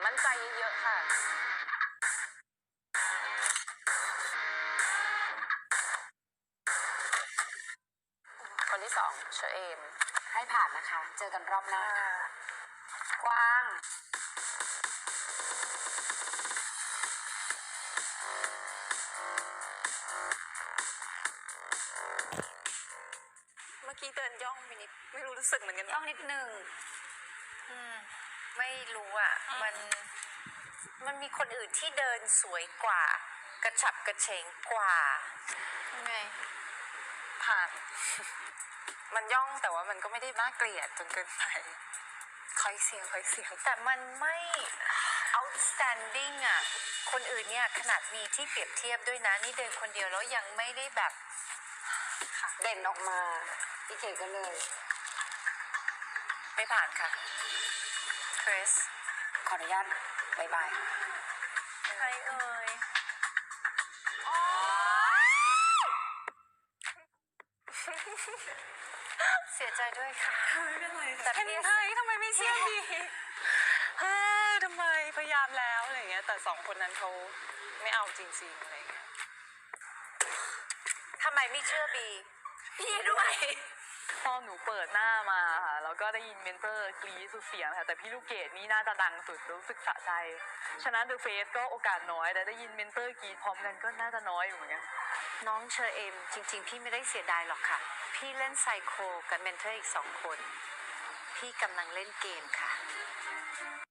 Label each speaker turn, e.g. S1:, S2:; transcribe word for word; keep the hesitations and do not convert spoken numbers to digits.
S1: มั่นใจเยอะๆค่ะคนที่สองเชอเอม
S2: ให้ผ่านนะคะเจอกันรอบหน้ากวาง
S1: เมื่อกี้เดินย่องไปนิดไม่รู้รู้สึกเหมือนกัน
S2: ต้องนิดนึง
S3: อืมไม่รู้อ่ะมันมันมีคนอื่นที่เดินสวยกว่า กระฉับกระเฉงกว่า
S1: ยังไงผ่าน มันย่องแต่ว่ามันก็ไม่ได้น่าเกลียดจนเกินไปคอยเสียงคอยเสียง
S3: แต่มันไม่ outstanding อ่ะคนอื่นเนี่ยขนาดมีที่เปรียบเทียบด้วยนะนี่เดินคนเดียวแล้วยังไม่ได้แบบ
S2: เด่นออกมาพี่เก๋ก็เลย
S3: ไม่ผ่านค่ะคริส
S2: ขออนุญาตบายบาย
S3: ใครเอ่ยเสียใจด้วยค่ะ
S1: ไม่เป็นไร
S3: แต่
S1: แต่
S3: พี่
S1: เห็นไทยทำไมไม่เชื่อดีเฮ้ยทำไมพยายามแล้วอะไรเงี้ยแต่สองคนนั้นเขาไม่เอาจริงๆอะไรเงี้ย
S3: ทำไมไม่เชื่อบี
S1: พี่ด้วยตอนหนูเปิดหน้ามาค่ะแล้วก็ได้ยินเมนเตอร์กรี๊ดสุดเสียงค่ะแต่พี่ลูกเกดนี่น่าจะดังสุดรู้สึกสะใจฉะนั้นเดอะเฟสก็โอกาสน้อยแต่ได้ยินเมนเตอร์กรี๊ดพร้อมกันก็น่าจะน้อยอยู่เหมือนกัน
S3: น้องเชอเอมจริงๆ พี่ไม่ได้เสียดายหรอกค่ะ พี่เล่นไซโคกับเมนเทอร์อีกสองคน พี่กำลังเล่นเกมค่ะ